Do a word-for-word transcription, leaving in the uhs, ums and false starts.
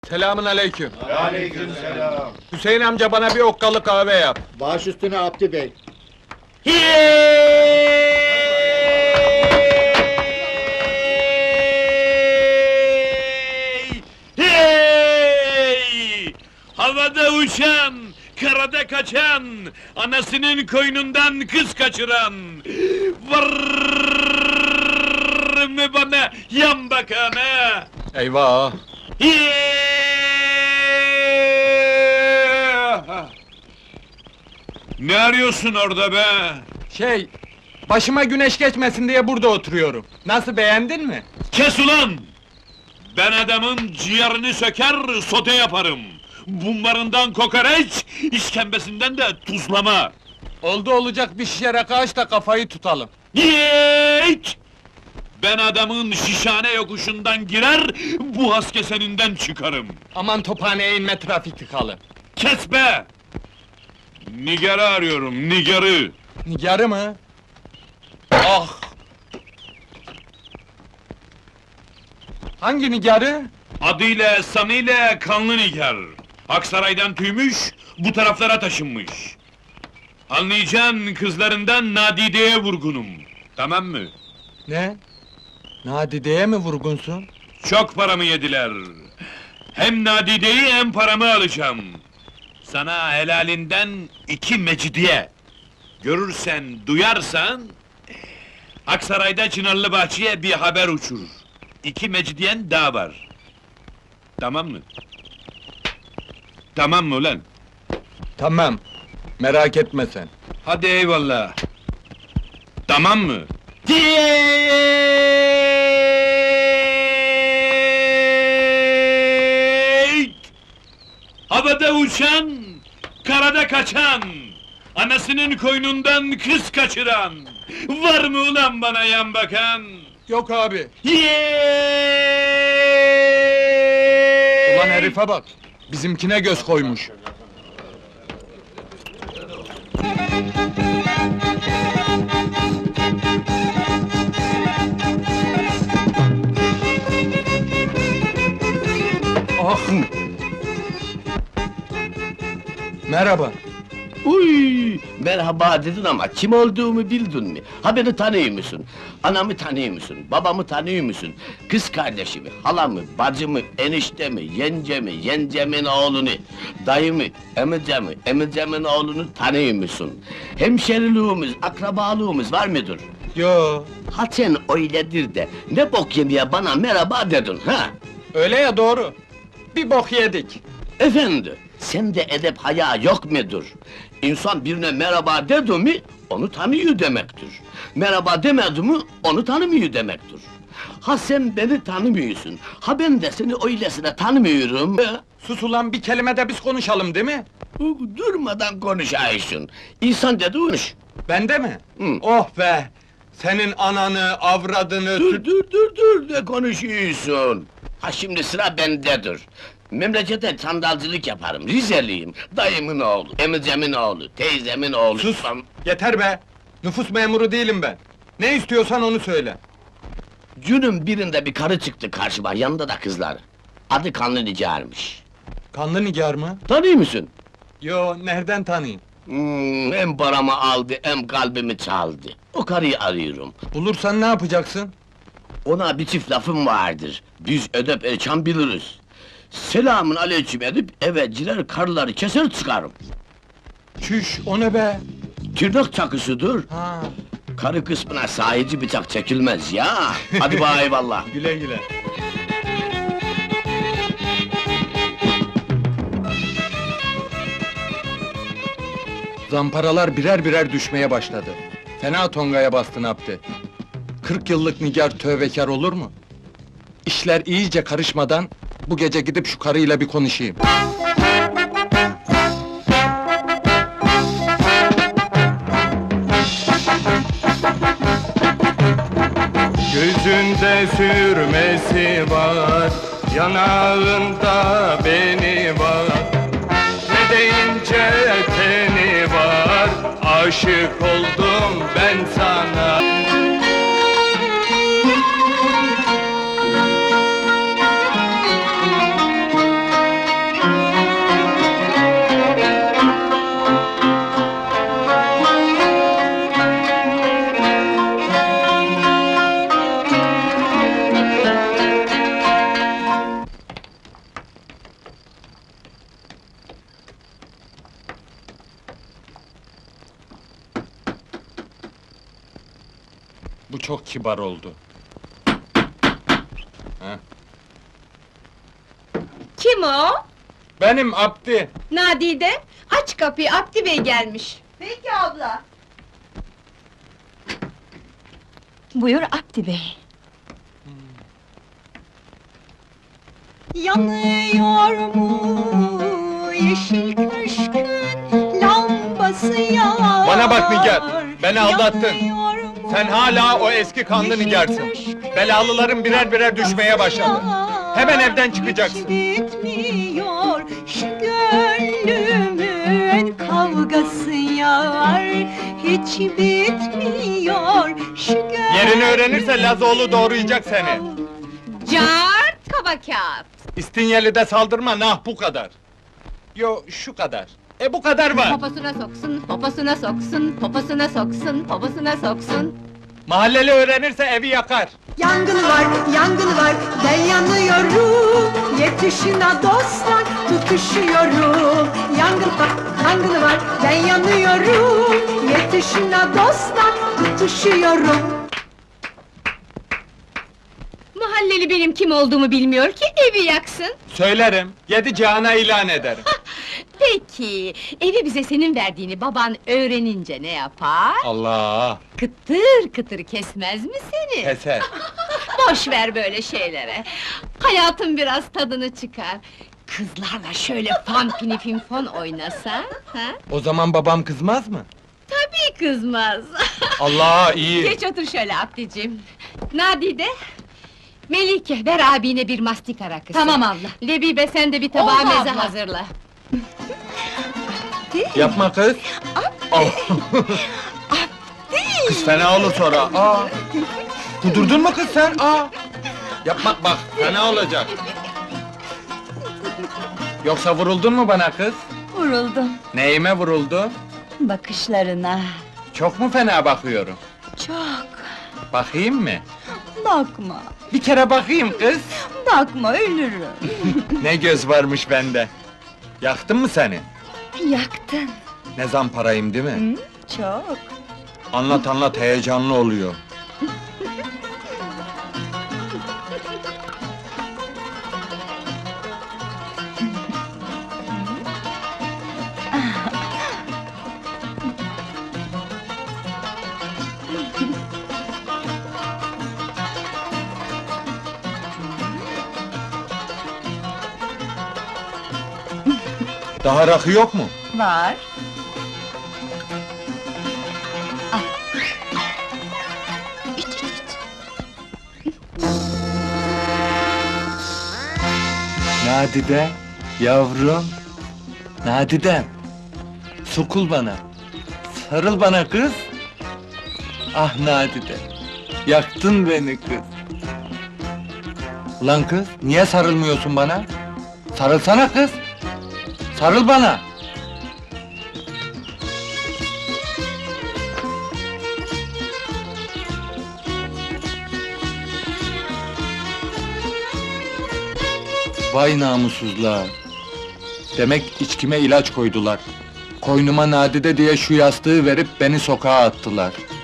Selamün aleyküm. Aleykümselam. Hüseyin amca bana bir okkalı kahve yap. Baş üstüne Abdi Bey. Hey! Hey! Havada uçan, karada kaçan, anasının koynundan kız kaçıran, var mı bana yan bakana? Eyvah! Hey! Ne arıyorsun orada be? Şey, başıma güneş geçmesin diye burada oturuyorum. Nasıl, beğendin mi? Kes ulan! Ben adamın ciğerini söker, sote yaparım. Bunlarından kokoreç, işkembesinden de tuzlama. Oldu olacak bir şişe rakı aç da kafayı tutalım. Yiğit! Ben adamın şişhane yokuşundan girer, bu haskeseninden çıkarım. Aman tophaneye inme, trafik tıkalı. Kes be! Nigar'ı arıyorum, Nigar'ı! Nigarı mı? Ah! Hangi nigarı? Adıyla, sanıyla kanlı Nigar. Aksaray'dan tüymüş, bu taraflara taşınmış. Anlayacağın kızlarından Nadide'ye vurgunum. Tamam mı? Ne? Nadide'ye mi vurgunsun? Çok paramı yediler. Hem Nadide'yi hem paramı alacağım. Sana helalinden iki mecidiye. Görürsen, duyarsan... Aksaray'da Çınarlı Bahçe'ye bir haber uçur. İki mecidiyen daha var. Tamam mı? Tamam mı ulan? Tamam, merak etme sen. Hadi eyvallah. Tamam mı? Tiyeyt! Havada uçan, karada kaçan, anasının koynundan kız kaçıran, var mı ulan bana yan bakan? Yok abi. Yeeey! Ulan herife bak, bizimkine göz koymuş. Ah! Merhaba. Uy, merhaba dedin ama kim olduğumu bildin mi? Ha beni tanıyor musun? Anamı tanıyor musun? Babamı tanıyor musun? Kız kardeşimi, halamı, bacımı, eniştemi, yencemi, yencemin oğlunu, dayımı, emicemi, emicemin oğlunu tanıyor musun? Hemşeriliğimiz, akrabalığımız var mıdır? Yo, Ha sen öyledir de, ne bok yemeye bana merhaba dedin ha? öyle ya, doğru. Bir bok yedik. Efendi, sende edep haya yok mudur? İnsan birine merhaba dedi mi, onu tanıyor demektir. Merhaba demedi mi, onu tanımıyor demektir. Ha sen beni tanımıyorsun, ha ben de seni öylesine tanımıyorum. Sus ulan, bir kelime de biz konuşalım, değil mi? Durmadan konuşaysın. İnsan dedi konuş. Bende mi? Hı. Oh be! Senin ananı, avradını... Dur süt- dur dur dur ne konuşuyorsun? Ha şimdi sıra bendedir. Memlekete sandalcılık yaparım, Rizeliyim. Dayımın oğlu, emicemin oğlu, teyzemin oğlu. Sus! Am- Yeter be! Nüfus memuru değilim ben. Ne istiyorsan onu söyle. Günün birinde bir karı çıktı karşıma, yanında da kızlar. Adı Kanlı Nigar'mış. Kanlı nigar mı? Tanıyor musun? Yo, nereden tanıyayım? Hmm, hem paramı aldı, hem kalbimi çaldı. O karıyı arıyorum. Bulursan ne yapacaksın? Ona bir çift lafım vardır. Biz edep erçan biliriz. Selamın aleyküm edip eve girer karıları keser çıkarım. Çüş, o ne be? Tırnak çakısıdır. Ha, Karı kısmına sahici bıçak çekilmez ya. Hadi bay eyvallah. güle güle. Zamparalar birer birer düşmeye başladı. Fena tongaya bastın Abdi. Kırk yıllık nigar tövbekar olur mu? İşler iyice karışmadan bu gece gidip şu karıyla bir konuşayım. Gözünde sürmesi var, yanağında beni var. Ne deyince teni var, aşık oldum ben sana. Bu çok kibar oldu. Heh. Kim o? Benim Abdi. Nadide, aç kapıyı, Abdi Bey gelmiş. Peki abla. Buyur Abdi Bey. Yanıyor mu yeşil köşkün lambası yar? Bana bak Nigar, beni aldattın. Yanıyor mu Sen hala o eski kanlı yeşil Nigar'sın. köşkün Belalıların birer birer düşmeye başladı. yar? Hemen evden çıkacaksın. Hiç bitmiyor şu gönlümün kavgası yar. Hiç bitmiyor şu gönlümün... Yerini öğrenirse Lazoğlu doğrayacak seni. Cart kaba kağıt. İstinyeli'de saldırma, nah bu kadar. Yo, şu kadar. E bu kadar var. Poposuna soksun, poposuna soksun, poposuna soksun, poposuna soksun. Mahalleli öğrenirse evi yakar. Yangın var, yangın var, ben yanıyorum. Yetişin ha dostlar, tutuşuyorum. Yangın var, yangın var, ben yanıyorum. Yetişin ha dostlar, tutuşuyorum. Mahalleli benim kim olduğumu bilmiyor ki evi yaksın. Söylerim, yedi cihana ilan ederim. Peki, evi bize senin verdiğini baban öğrenince ne yapar? Allah! Kıtır kıtır kesmez mi seni? Keser. Boş ver böyle şeylere. Hayatın biraz tadını çıkar. Kızlarla şöyle fan pinifin fon oynasa, ha? O zaman babam kızmaz mı? Tabii kızmaz. Allah iyi! Geç otur şöyle Abdicim. Nadide, Melike, ver abine bir mastika rakısı. Tamam abla. Lebibe, sen de bir tabağa Oldu meze abla. hazırla. Yapma kız! Oh. Kız fena olur sonra, aa! Kudurdun mu kız sen, aa! Yapma bak, fena olacak! Yoksa vuruldun mu bana kız? Vuruldum Neyime vuruldu? bakışlarına. Çok mu fena bakıyorum? Çok. Bakayım mı? Bakma, Bir kere bakayım kız! bakma ölürüm. Ne göz varmış bende! Yaktın mı seni? Yaktın. Ne zamparayım değil mi? Çok. Anlat anlat, heyecanlı oluyor. Daha rakı yok mu? Var. Nadide, yavrum. Nadide, sokul bana. Sarıl bana kız. Ah Nadide, yaktın beni kız. Ulan kız, niye sarılmıyorsun bana? Sarılsana kız. Sarıl bana. Vay namussuzlar! Demek içkime ilaç koydular. Koynuma Nadide diye şu yastığı verip beni sokağa attılar.